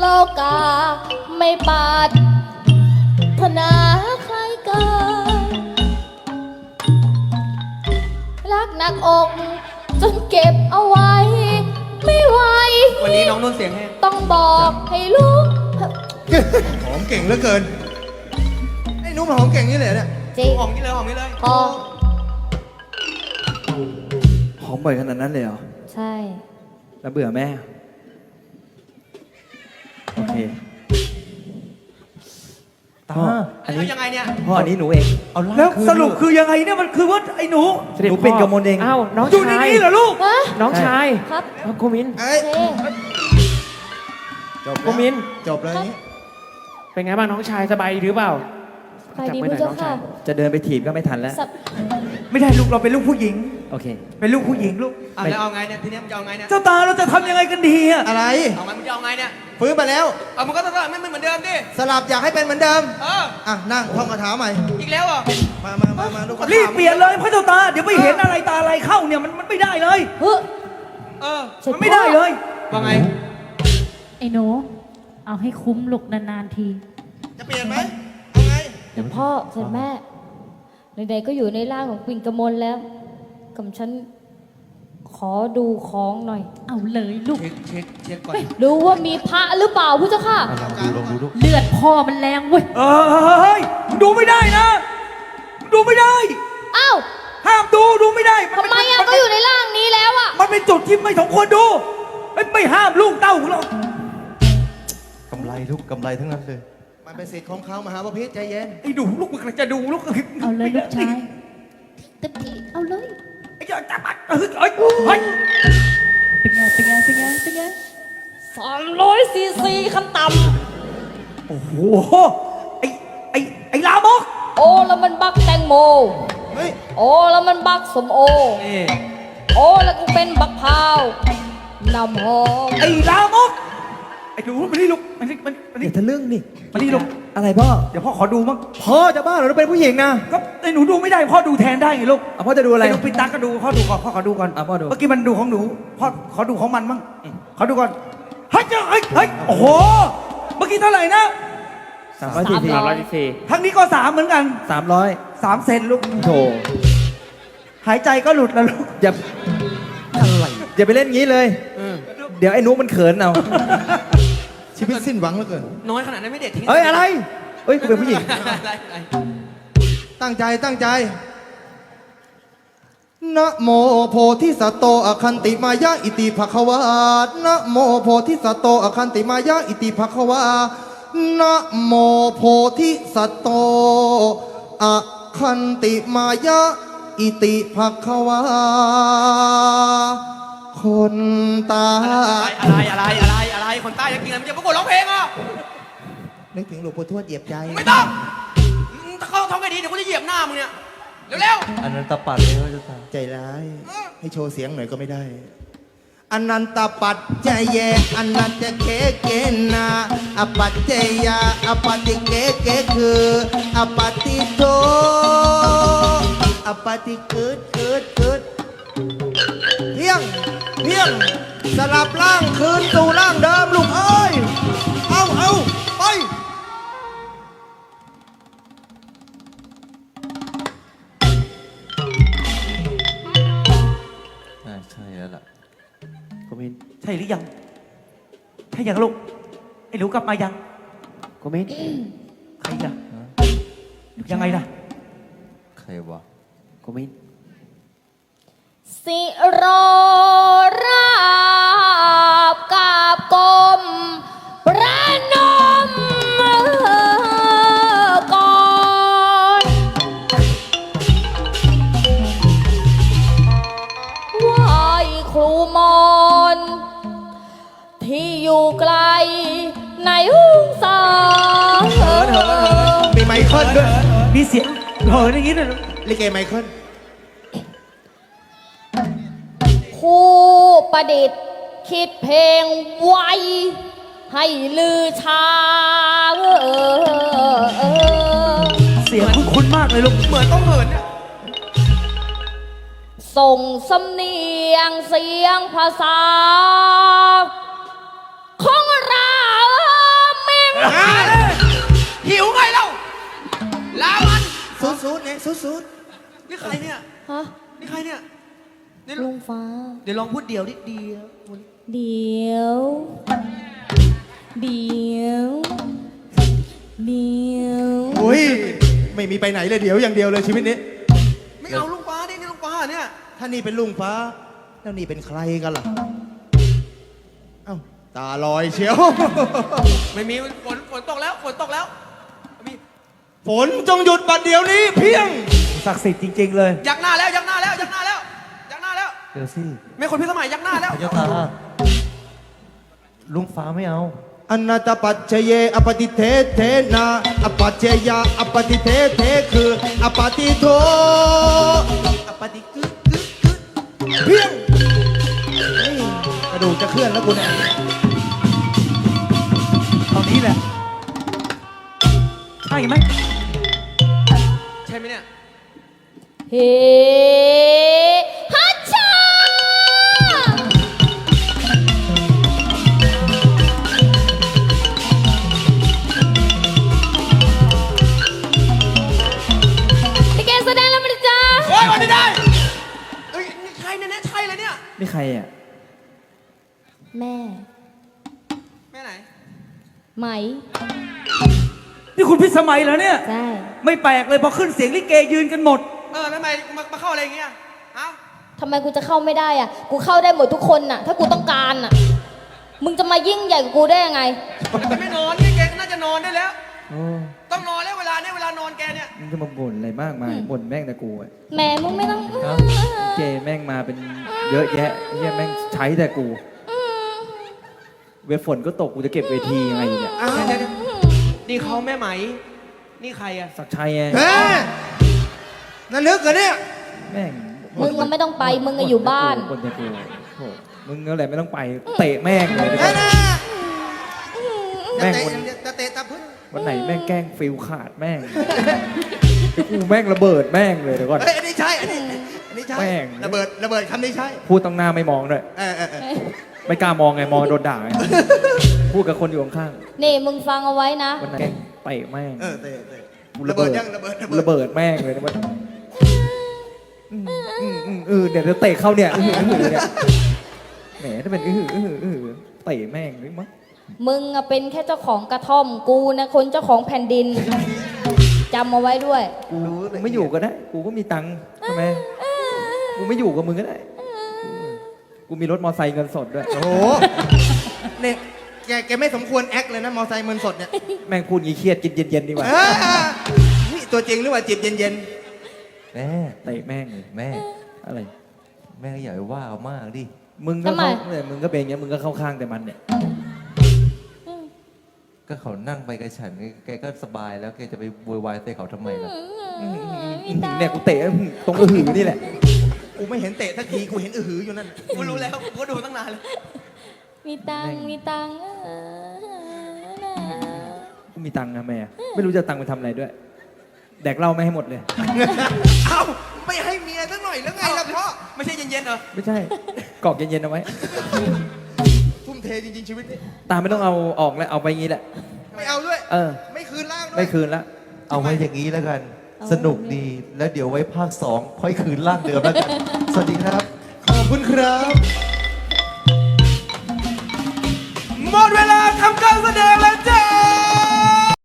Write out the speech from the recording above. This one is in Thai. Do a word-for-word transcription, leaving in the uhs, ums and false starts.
โลกาไม่ปรารถนาใครเกินรักหนักอกจนเก็บเอาไว้ไม่ไหววันนี้น้องนุ่นเสียงแห้งต้องบอกให้ลูกหอมเก่งเหลือเกินไอ้นุ่มหอมเก่งนี่เลยเนี่ยจริงหอมนี่เลยหอมนี่เลยพอหอมบ่อยขนาดนั้นเลยเหรอใช่แล้วเบื่อแม่โอเคพ่ออันนี้ยังไงเนี่ยพ่ออันนี้หนูเองเอาแล้วสรุปคือยังไงเนี่ยมันคือว่าไอ้หนูหนูเป็นกมลเองอ้าวน้องอยู่ในนี้เหรอลูกน้องชายครับโกมินเอ้ยจบโกมินจบเลยนี้เป็นไงบ้างน้องชายสบายหรือเปล่าใครดีพุทธเจ้าค่ะจะเดินไปถีบก็ไม่ทันแล้วไม่ได้ลูกเราเป็นลูกผู้หญิงโอเคเป็นลูกผู้หญิงลูกอ่ะแล้วเอาไงเนี่ยทีนี้มันจะเอาไงเนี่ยเจ้าตาเราจะทำยังไงกันดีอะอะไรเอาไงมันจะเอาไงเนี่ยฟื้นมาแล้วเอามันก็ต้องไม่เหมือนเดิมดิสลับอยากให้เป็นเหมือนเดิมเอออ่ะนั่งท่องคาถาใหม่อีกแล้วอ่ะมามามามาลูกรีบเปลี่ยนเลยพระเจ้าตาเดี๋ยวไปเห็นอะไรตาอะไรเข้าเนี่ยมันมันไม่ได้เลยเฮ้เออมันไม่ได้เลยว่าไงไอ้หนูเอาให้คุ้มลูกนานๆทีจะเปลี่ยนไหมเอาไงเดี๋ยวพ่อเสร็จแม่ใดๆก็อยู่ในร่างของปิ่นกมลแล้วกับฉันขอดูของหน่อยเอาเลยลูกเช็คเช็คเช็คก่อนดูว่ามีพระหรือเปล่าพุทธเจ้าค่ะเลือดพ่อมันแรงเว้ยเอ้ยดูไม่ได้นะดูไม่ได้อ้าวห้ามดูดูไม่ได้ทำไมอ่ะก็อยู่ในร่างนี้แล้วอ่ะมันเป็นจุดที่ไม่สมควรดูไม่ห้ามลูกเต้าของเรากำไรทุกกำไรทั้งนั้นเลยมันเป็นสิทธิ์ของเขามหาบพิตรใจเย็นไอ้ดูลูกมันจะดูลูกเอาเลยลูกชายเต็มที่เอาเลยไอ้เจ้าจับมันเฮ้ยเฮ้ยเฮ้ยเป็นไงเป็นไงเป็นไงเป็นไงสามร้อยซีซีขั้นต่ำโอ้โหไอ้ไอ้ไอ้ลามกโอ้แล้วมันบักแตงโมเฮ้ยโอ้แล้วมันบักสมโอโอ้แล้วกูเป็นบักพราวนำหอมไอ้ลามกไอ้ดูมันนี่ลูกมันนี่มันนี่ทะลึ่งนี่มันนี่ลูกอะไรพ่อเดี๋ยวพ่อขอดูมั้งพ่อจะบ้าเหรอเราเป็นผู้หญิงนะก็ไอ้หนูดูไม่ได้พ่อดูแทนได้ไงลูกพ่อจะดูอะไรลูกปิดตาก็ดูพ่อดูก่อนพ่อขอดูก่อนพ่อดูเมื่อกี้มันดูของหนูพ่อขอดูของมันมั้งขอดูก่อนเฮ้ยเฮ้ยเฮ้ยโอ้โหเมื่อกี้เท่าไหร่นะสามร้อยสี่สิบสามร้อยสี่สิบทั้งนี้ก็สามเหมือนกันสามร้อยสามเซนลูกโถหายใจก็หลุดแล้วลูกอย่าอะไรอย่าไปเล่นงี้เลยเดี๋ยวไอ้นุ๊กมันเขินเอาชีวิตสิ้นหวังเหลือเกินน้อยขนาดนั้นไม่เด็ดทิ้งเอ้ยอะไรเอ้ยกูเป็นผู้หญิงตั้งใจตั้งใจนะโมโพธิสัตโตอคันติมายะอิติภควานะโมโพธิสัตโตอคันติมายะอิติภควานะโมโพธิสัตโตอคันติมายะอิติภควาคนตาอะไรอะไรอะไรอะไรคนใต้จะกินอะไรมันจะประกวดร้องเพลงอ่ะนึกถึงหลวงปู่ทวดเหยียบใจไม่ต้องถ้าเขาท้องไงดีเดี๋ยวเขาจะเหยียบหน้ามึงเนี่ยเร็วๆอันนั้นตะปัดเลยเขาจะใจร้ายให้โชว์เสียงหน่อยก็ไม่ได้อนันตปัจจเยอนันตเกเกนาอปัจเจยาอปฏิเกเกคืออปฏิโตอปฏิเกิดเกิดเกิดเพียงเพียงสลับร่างคืนสู่ร่างเดิมลูกเอ้ยเอาเอาไปใช่แล้วล่ะโกมินใช่หรือยังใช่ยังลูกไอ้หนูกลับมายังโกมินใครล่ะยังไงล่ะใครวะโกมินสิโรราบกาบกลมประนมก่อนไหว้ครูมอนที่อยู่ไกลในห้องสาเหินเหินเหินมีไมเคิลด้วยมีเสียงเหินอย่างนี้เลยลิเกไมเคิลผู้ประดิษฐ์คิดเพลงไว้ให้ลือชาเออเสียงคุ้นๆมากเลยลูกเหมือนต้องเหินเนี่ยส่งสำเนียงเสียงภาษาของเราสุดนี่ใครเนี่ยฮะนี่ใครเนี่ยนี่ลุงฟ้าเดี๋ยวลองพูดเดี่ยวนิดเดียวเดี๋ยว เดี๋ยว เดี๋ยวๆอุ้ยไม่มีไปไหนเลยเดี๋ยวอย่างเดียวเลยชีวิตนี้ไม่เอาลุงฟ้าดินี่ลุงฟ้าเนี่ยถ้านี่เป็นลุงฟ้า แล้วนี่เป็นใครกันล่ะ เอ้าตาลอยเชียวไม่มีฝนฝนตกแล้วฝนตกแล้วมีฝนจงหยุดบัดเดี๋ยวนี้เพียงศักดิ์สิทธิ์จริง ๆ เลยยักหน้าแล้วยักหน้าแล้วยักหน้าแล้วยักหน้าแล้วเดี๋ยวสิไม่คนพิสมัยยักหน้าแล้วพระเจ้าตาลุงฟ้าไม่เอาอนัตตปัจเจเยอปฏิเทเทนาอปัจเจยาอปฏิเทเทคืออปฏิโทอปฏิกึกกึกกึกเพียงเฮ้ยกระดูกจะเคลื่อนแล้วกูเนี่ยตอนนี้แหละ ใช่ไหมใช่ไหมเนี่ยเฮ้ฮัชชาพี่เกแสดงแล้วมั้ยจ๊ะโอ้ยวันนี้ได้เอ้ยนี่ใครเนี่ยเนี่ยใช่เลยเนี่ยนี่ใครอ่ะแม่แม่ไหนไหมนี่คุณพิสมัยเหรอเนี่ยใช่ไม่แปลกเลยพอขึ้นเสียงลิเกยืนกันหมดเออแล้วทำไมมามาเข้าอะไรอย่างเงี้ยฮะทำไมกูจะเข้าไม่ได้อ่ะ กูเข้าได้หมดทุกคนน่ะ ถ้ากูต้องการน่ะ มึงจะมายิ่งใหญ่กว่ากูได้ยังไงแต่มันไม่นอนนี่แกก็น่าจะนอนได้แล้วโอ้ต้องนอนแล้วเวลาเนี่ยเวลานอนแกเนี่ยมึงจะมาบ่นอะไรมากมายบ่นแม่งแต่กูอะแหม่มึงไม่ต้องเจแม่งมาเป็นเยอะแยะเฮียแม่งใช้แต่กู เวฝนก็ตกกูจะเก็บเวทียังไงเนี่ยอ้าวเดี๋ยวๆนี่เขาแม่ไหม นี่ใครอะศักดิ์ชัยไงเฮ้ยนั่นนึกเหรอเนี่ยแม่งมึงก็ไม่ต้องไป มึงก็อยู่บ้านบ่นแต่กูโอ้มึงอะไรไม่ต้องไปเตะแม่งเลยเอ้ยนะแม่งจะวันเตะจะเตะตาพึ่งวันไหนแม่งแกล้งฟิลขาดแม่งเดี๋ยวกูแม่งระเบิดแม่งเลยเดี๋ยวก่อนเฮ้ยอันนี้ใช่อันนี้อันนี้ใช่แม่งระเบิดระเบิดคำนี้ใช่พูดตั้งหน้าไม่มองด้วยเออเออเออไม่กล้ามองไงมองโดนด่าไงพูดกับคนอยู่ข้างนี่มึงฟังเอาไว้นะๆวันไหนแกล้งเตะแม่งเออเตะเตะกูระเบิดยังระเบิดระเบิดระเบิดแม่งเลยนะมันอืมอืมอืมเออเดี๋ยวจะเตะเข้าเนี่ยอื้อหืออื้อหือเนี่ยแหมถ้าเป็นอื้อหืออื้อหืออื้อหือเตะแม่งหรือมั้งมึงอะเป็นแค่เจ้าของกระท่อม กูนะคนเจ้าของแผ่นดิน จำเอาไว้ด้วยกูไม่อยู่ก็ได้ กูก็มีตังค์ทำไมกูไม่อยู่กับมึงก็ได้ กูมีรถมอไซค์เงินสดด้วยโอ้โหเนี่ยแกแกไม่สมควรแอคเลยนะมอไซค์เงินสดเนี่ยแม่งพูดงี้เครียดกินเย็นๆดีกว่าเออนี่ตัวจริงหรือว่าจีบเย็นแม่เตะแม่งเลยแม่อะไรแม่ก็อย่าไปว่าเอามากดิมึงก็ทำไมเข้าเนี่ยมึงก็เป็นอย่างเงี้ยมึงก็เข้าข้างแต่มันเนี่ยก็เขานั่งไปกับฉันแกก็สบายแล้วแกจะไปโวยวายใส่เขาทำไมล่ะเนี่ยกูเตะตรงอื้อหือนี่แหละๆ กูไม่เห็นเตะสักทีกูเห็นอือหืออยู่นั่นกูรู้แล้วกูก็ดูตั้งนานแล้วมีตังค์มีตังค์เออนะกูมีตังค์นะแม่ ไม่รู้จะเอาตังค์ไปทำอะไรด้วย แดกเหล้าไม่ให้หมดเลยเอ้าไม่ให้เมียสักหน่อยแล้วไงล่ะพ่อไม่ใช่เย็นๆเหรอไม่ใช่ กรอกเย็นๆเอาไว้ทุ่มเทจริงๆชีวิตนี้ตาไม่ต้องเอาออกแล้วเอาไปงี้แหละไม่เอาด้วยเออไม่คืนร่างด้วยไม่คืนละเอาไว้อย่างนี้แล้วกัน สนุกดี แล้วเดี๋ยวไว้ภาคสองค่อยคืนร่างเดิมแล้วกัน สวัสดีครับขอบคุณครับหมดเวลาทำการแสดง